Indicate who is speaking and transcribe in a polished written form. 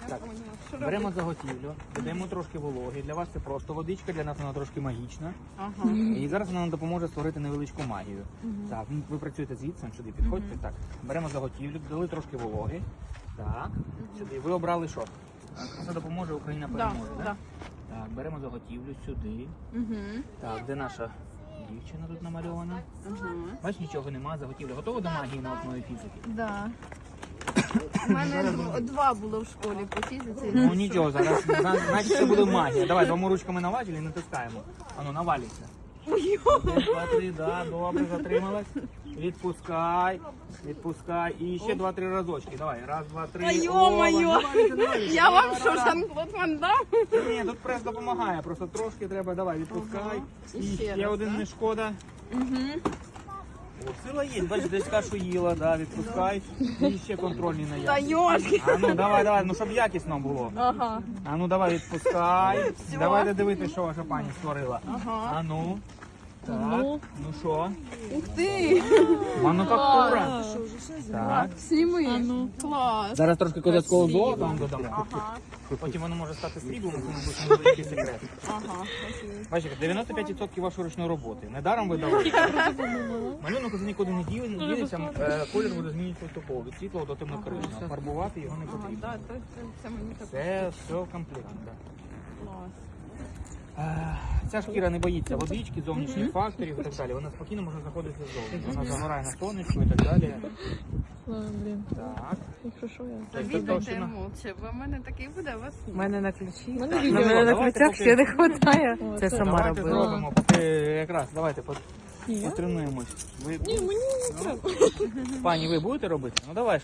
Speaker 1: Так,
Speaker 2: поняла. Що
Speaker 1: беремо
Speaker 2: робити?
Speaker 1: заготівлю, додаємо трошки вологи. Для вас це просто водичка, для нас вона трошки магічна.
Speaker 2: Ага.
Speaker 1: І зараз вона нам допоможе створити невеличку магію. Так, ви працюєте звідси, сюди підходьте. Так, беремо заготівлю, додали трошки вологи. Так, сюди. Ви обрали що? Це допоможе, Україна переможе,
Speaker 2: Да,
Speaker 1: так? Так, беремо заготівлю сюди. Так, де наша дівчина тут намальована? Бачиш, нічого немає, заготівля. Готова до магії на основі фізики?
Speaker 2: Да. У мене два було в школі по фізиці.
Speaker 1: Ну нічого, зараз значить це буде магія. Давай двома ручками наважили і натискаємо. Ану, навалюйся.
Speaker 2: Ой,
Speaker 1: 1, 2, 3, да, добре, затрималась. Відпускай, відпускай. І ще 2-3 разочки. Давай, раз, два, три.
Speaker 2: Та йо-моє!
Speaker 1: Навалюйся, навалюйся.
Speaker 2: Я вам
Speaker 1: Раз,
Speaker 2: що,
Speaker 1: раз.
Speaker 2: Жан-Клод Ван Дам?
Speaker 1: Ні, тут прес допомагає, просто трошки треба. Давай, відпускай.
Speaker 2: І
Speaker 1: І
Speaker 2: ще
Speaker 1: ще
Speaker 2: раз,
Speaker 1: один
Speaker 2: да?
Speaker 1: не шкода. О, сила є, бачиш, десь кашу їла, да, відпускай. І ще контрольний на
Speaker 2: Та
Speaker 1: якість.
Speaker 2: йошки!
Speaker 1: А ну давай, давай, ну щоб якісно було.
Speaker 2: Ага.
Speaker 1: А ну давай відпускай.
Speaker 2: Всьо.
Speaker 1: Давайте дивитися, що ваша пані створила.
Speaker 2: Ага.
Speaker 1: А ну. Так, ну що?
Speaker 2: Ух ти!
Speaker 1: Мануфактура. Так.
Speaker 2: Сніми. Клас.
Speaker 1: Зараз трошки козацького
Speaker 2: Красиво.
Speaker 1: золота вам додамо.
Speaker 2: Ага.
Speaker 1: Потім воно може стати сріблом, це мабуть невеликий секрет.
Speaker 2: Ага.
Speaker 1: Бачите, 95% вашої ручної роботи. Недаром ви дали. Малюнок вже нікуди не ділиться, колір буде змінюватися поступово. Від світлого до темно-крижного. Фарбувати його не
Speaker 2: Ага,
Speaker 1: потрібно.
Speaker 2: да, це мені так.
Speaker 1: Це все в комплекті. Да.
Speaker 2: Клас.
Speaker 1: Ця шкіра не боїться водички, зовнішніх факторів і так далі. Вона спокійно може знаходитися ззовні. Вона загорає на сонечку і так далі.
Speaker 3: Блін,
Speaker 1: Так.
Speaker 3: якщо що я.
Speaker 1: Це
Speaker 2: Віддайте
Speaker 1: товщина.
Speaker 2: молча, бо в мене такий буде, у вас ні.
Speaker 4: У мене на ключі.
Speaker 3: мене
Speaker 4: На
Speaker 3: відео.
Speaker 4: мене на
Speaker 1: Давайте
Speaker 4: ключах
Speaker 1: поки-
Speaker 4: ще не вистачає.
Speaker 3: О,
Speaker 4: Це
Speaker 3: це
Speaker 4: сама
Speaker 1: Давайте
Speaker 4: робила.
Speaker 1: зробимо, поки якраз, давайте
Speaker 3: Ні, я?
Speaker 1: потренуємось. Ви...
Speaker 3: Ні, мені не треба.
Speaker 1: Пані, ви будете робити? Ну давай.